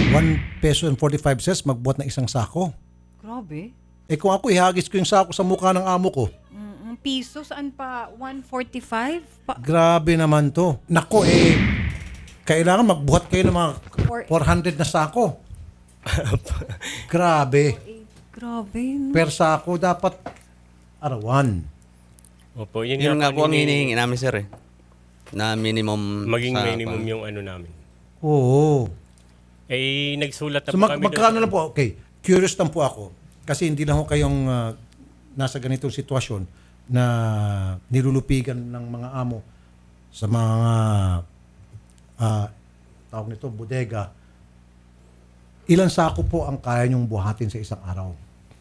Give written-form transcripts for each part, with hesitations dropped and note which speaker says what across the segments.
Speaker 1: 1 peso and 45 cents magbuhat ng isang sako.
Speaker 2: Grabe.
Speaker 1: Eh kung ako ihagis ko yung sako sa mukha ng amo ko,
Speaker 2: Piso, saan pa? 145?
Speaker 1: grabe naman to. Nako kailangan magbuhat kayo ng mga 400 na sako. Grabe.
Speaker 2: Grabe.
Speaker 1: Per sako dapat arawan.
Speaker 3: Opo, yun
Speaker 4: Yun nga po ang
Speaker 3: hinihingi.
Speaker 4: hinihingi namin, sir. Na minimum.
Speaker 3: Maging
Speaker 4: sa-
Speaker 3: minimum yung ano namin.
Speaker 1: Oo.
Speaker 3: Nagsulat na
Speaker 1: So
Speaker 3: po kami.
Speaker 1: magkano lang po? Okay, curious lang po ako. Kasi hindi lang ho kayong nasa ganitong sitwasyon na nilulupigan ng mga amo sa mga tawag nito, bodega. Ilan sako po ang kaya nyong buhatin sa isang araw?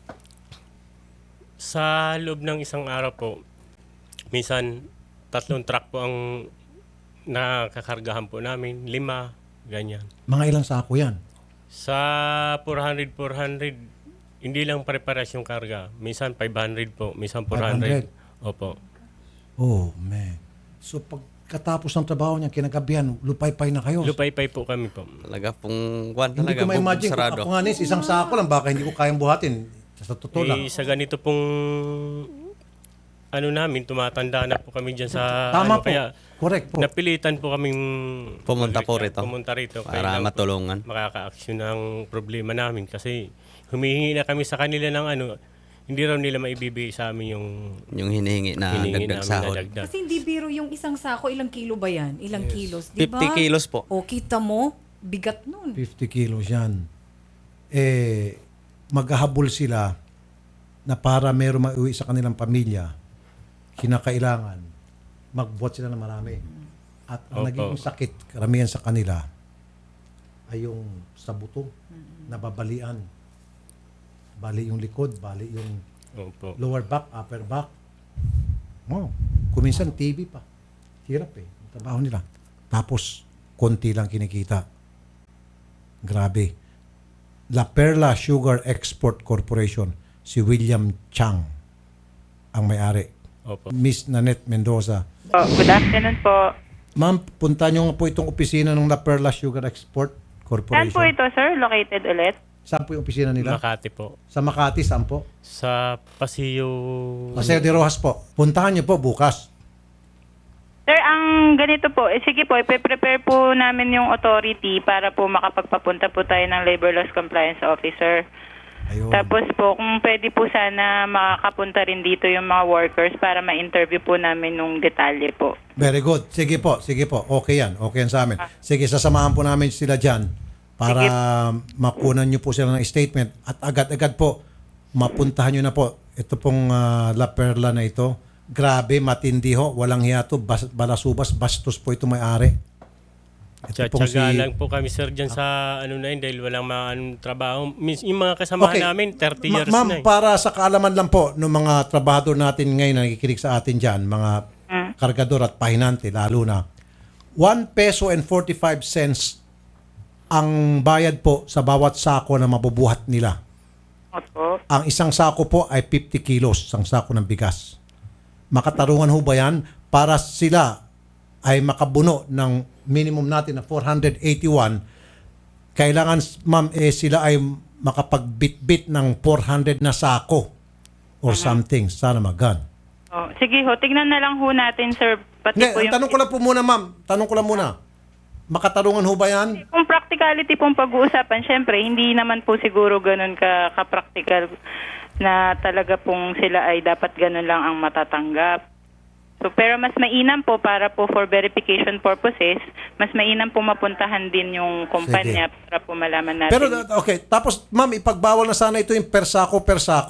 Speaker 3: Sa loob ng isang araw po, minsan 3 truck po ang nakakargahan po namin, 5, ganyan.
Speaker 1: Mga ilang sako yan?
Speaker 3: Sa 400, hindi lang pare-pares yung karga. Minsan 500 po, minsan 400. Opo.
Speaker 1: Oh, man. So pagkatapos ng trabaho niya, kinagabihan, lupay-pay na kayo.
Speaker 3: Lupay-pay po kami po.
Speaker 4: Talaga pong kwan
Speaker 1: Hindi
Speaker 4: talaga.
Speaker 1: ko ma-imagine. Kung
Speaker 4: Sarado.
Speaker 1: ako nga nis, isang sako lang, baka hindi ko kayang buhatin. Sa totoo lang.
Speaker 3: Sa ganito pong ano namin, tumatanda na po kami dyan sa
Speaker 1: Tama
Speaker 3: ano,
Speaker 1: po.
Speaker 3: kaya
Speaker 1: Correct po.
Speaker 3: napilitan po kaming
Speaker 4: Pumunta po rito.
Speaker 3: Pumunta rito.
Speaker 4: Para
Speaker 3: Kailangan po
Speaker 4: matulungan.
Speaker 3: makaka-action ng problema namin kasi humihingi na kami sa kanila ng ano, hindi raw nila maibibigay sa amin yung
Speaker 4: Yung hinihingi na
Speaker 3: hinihingi
Speaker 4: dagdag
Speaker 3: namin
Speaker 4: sahod.
Speaker 3: na dagdag.
Speaker 2: Kasi hindi biro yung isang sako, ilang kilo ba yan? Ilang kilos, di ba?
Speaker 4: 50 kilos po.
Speaker 2: O, kita mo, bigat nun.
Speaker 1: 50 kilos yan. Maghahabol sila na para meron mauwi sa kanilang pamilya, kinakailangan magbuhat sila ng marami. At ang
Speaker 3: Opo.
Speaker 1: naging sakit, karamihan sa kanila, ay yung sa buto, nababalian. Bali yung likod, bali yung
Speaker 3: Opo.
Speaker 1: lower back, upper back. Oh, kuminsan TV pa. Hirap ang trabaho nila. Tapos, konti lang kinikita. Grabe. La Perla Sugar Export Corporation, si William Chang ang may-ari.
Speaker 3: Opo.
Speaker 1: Miss Nanette Mendoza.
Speaker 5: Good afternoon po.
Speaker 1: Ma'am, punta nyo nga po itong opisina ng La Perla Sugar Export
Speaker 5: Saan
Speaker 1: Corporation.
Speaker 5: po ito, sir? Located ulit?
Speaker 1: Saan po yung opisina nila?
Speaker 3: Makati po.
Speaker 1: Sa Makati, saan po?
Speaker 3: Sa Paseo.
Speaker 1: Paseo de Rojas po. Puntahan nyo po bukas.
Speaker 5: Sir, ang ganito po, sige po, ipe-prepare po namin yung authority para po makapagpapunta po tayo ng Labor Laws Compliance Officer.
Speaker 1: Ayun.
Speaker 5: Tapos po, kung pwede po sana makakapunta rin dito yung mga workers para ma-interview po namin nung detalye po.
Speaker 1: Very good. Sige po, sige po. Okay yan. Okay yan sa amin. Sige, sasamahan po namin sila dyan para makunan nyo po sila ng statement at agad-agad po mapuntahan nyo na po. Ito pong La Perla na ito. Grabe, matindi ho. Walang hiyato. Balasubas, bastos po ito may-ari. Ito pong
Speaker 3: Tsatsaga lang po kami sir dyan sa ano na yun dahil walang mga anong trabaho. Yung mga kasamahan namin, 30 years
Speaker 1: Ma'am,
Speaker 3: na eh.
Speaker 1: para sa kaalaman lang po ng mga trabahador natin ngayon na nakikinig sa atin dyan, mga kargador at pahinante lalo na, 1 peso and 45 cents ang bayad po sa bawat sako na mabubuhat nila.
Speaker 5: Opo.
Speaker 1: Ang isang sako po ay 50 kilos, isang sako ng bigas. Makatarungan ho ba yan para sila ay makabuno ng minimum natin na 481, kailangan ma'am sila ay makapagbitbit ng 400 na sako or something. Sana magan.
Speaker 5: Oh, sige ho, tignan na lang ho natin, sir. Pati
Speaker 1: Hindi,
Speaker 5: po yung...
Speaker 1: tanong ko lang po muna ma'am. Tanong ko lang muna. Makatarungan ho ba yan?
Speaker 5: Kung practicality pong pag-uusapan, syempre, hindi naman po siguro ganun ka-practical na talaga pong sila ay dapat ganun lang ang matatanggap. So, pero mas mainam po para po for verification purposes, mas mainam po mapuntahan din yung kumpanya para po malaman natin.
Speaker 1: Pero okay, tapos ma'am, ipagbawal na sana ito yung per sako.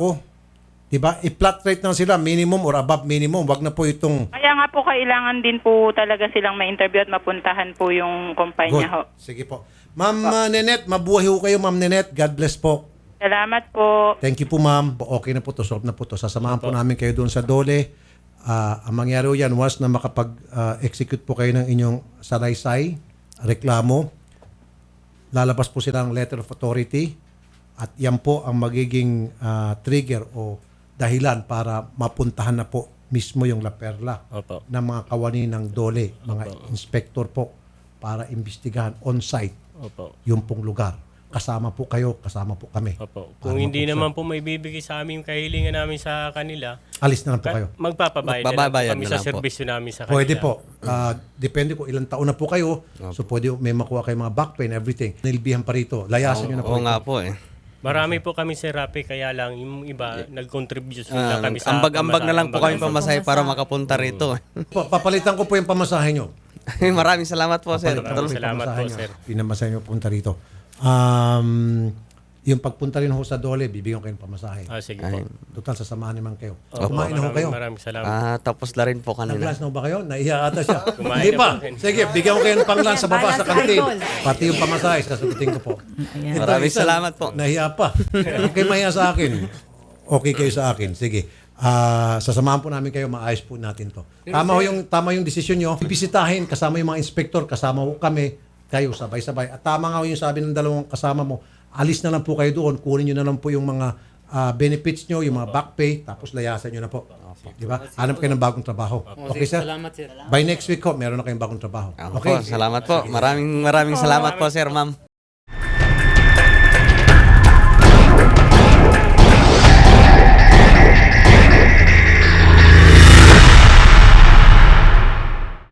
Speaker 1: Diba? I-flat rate na sila, minimum or above minimum. Wag na po itong...
Speaker 5: Kaya nga po kailangan din po talaga silang ma-interview at mapuntahan po yung kumpanya ho.
Speaker 1: Sige po. Ma'am Nenette, mabuhay ho kayo Ma'am Nenette. God bless po.
Speaker 5: Salamat po.
Speaker 1: Thank you po ma'am. Okay na po to, solve na po to. Sasamahan po namin kayo doon sa Dole. Ang mangyari ho yan, once na makapag-execute po kayo ng inyong salaysay, reklamo, lalabas po sila ng letter of authority at yan po ang magiging trigger o dahilan para mapuntahan na po mismo yung La Perla
Speaker 3: Opo.
Speaker 1: ng mga kawani ng Dole, mga inspector po para imbestigahan on-site
Speaker 3: Opo.
Speaker 1: yung pong lugar. kasama po kayo, kasama po kami.
Speaker 3: Opo.
Speaker 1: Para
Speaker 3: Kung hindi
Speaker 1: mapuksa.
Speaker 3: naman po may bibigay sa amin kahilingan namin sa kanila,
Speaker 1: Alis na lang po kayo.
Speaker 3: magpapabayad na lang po
Speaker 4: Magbabayad
Speaker 3: kami
Speaker 4: na
Speaker 3: sa
Speaker 4: lang po.
Speaker 3: serbisyo namin sa kanila.
Speaker 1: Pwede po. Depende kung ilang taon na po kayo. So pwede may makuha kayo mga back pain, everything. Nilbihan pa rito. Layasan nyo na po.
Speaker 4: Oo nga po eh.
Speaker 3: Marami po kami sa Rappi, kaya lang yung iba nag-contribute lang kami sa
Speaker 4: Ambag-ambag na lang po kami
Speaker 3: pamasahe.
Speaker 4: pamasahe para makapunta rito.
Speaker 1: Papalitan ko po yung pamasahe nyo.
Speaker 4: Maraming salamat po, sir.
Speaker 3: Maraming salamat po,
Speaker 1: Pamasahe nyo.
Speaker 3: sir.
Speaker 1: Pinamasahe nyo punta rito. Yung pagpunta rin ho sa Dole, bibigyan ko kayo ng pamasahe.
Speaker 3: Sige po.
Speaker 1: Total, sasamahan naman kayo.
Speaker 3: Opo,
Speaker 1: Kumain na ho kayo.
Speaker 3: Maraming salamat.
Speaker 4: Tapos na rin po kanina.
Speaker 1: Nag-lunch na ho ba kayo? Naiya ata siya.
Speaker 3: Kumain
Speaker 1: Hindi
Speaker 3: na
Speaker 1: pa.
Speaker 3: po.
Speaker 1: Sige, bigyan ko kayo ng pang-lunch sa baba sa
Speaker 2: Balance
Speaker 1: kantin.
Speaker 2: idol.
Speaker 1: Pati yung pamasahe, sasagutin ko po.
Speaker 2: Ayan.
Speaker 4: Maraming
Speaker 1: Isa,
Speaker 4: salamat po.
Speaker 1: Nahiya pa. Okay, mahiya sa akin. Okay kayo sa akin. Sige. Sasamahan po namin kayo, maayos po natin to. Tama yung desisyon nyo. Bibisitahin, kasama yung mga inspektor, kasama ko kami, kayo sabay-sabay. At tama nga yung sabi ng dalawang kasama mo, alis na lang po kayo doon, kunin nyo na lang po yung mga benefits nyo, yung mga back pay, tapos layasan nyo na po. Di ba? Hanap kayo ng bagong trabaho. Okay, sir?
Speaker 6: Salamat, sir.
Speaker 1: By next week ho, meron na kayong bagong trabaho.
Speaker 4: Okay. Salamat po. Maraming salamat po, sir, ma'am.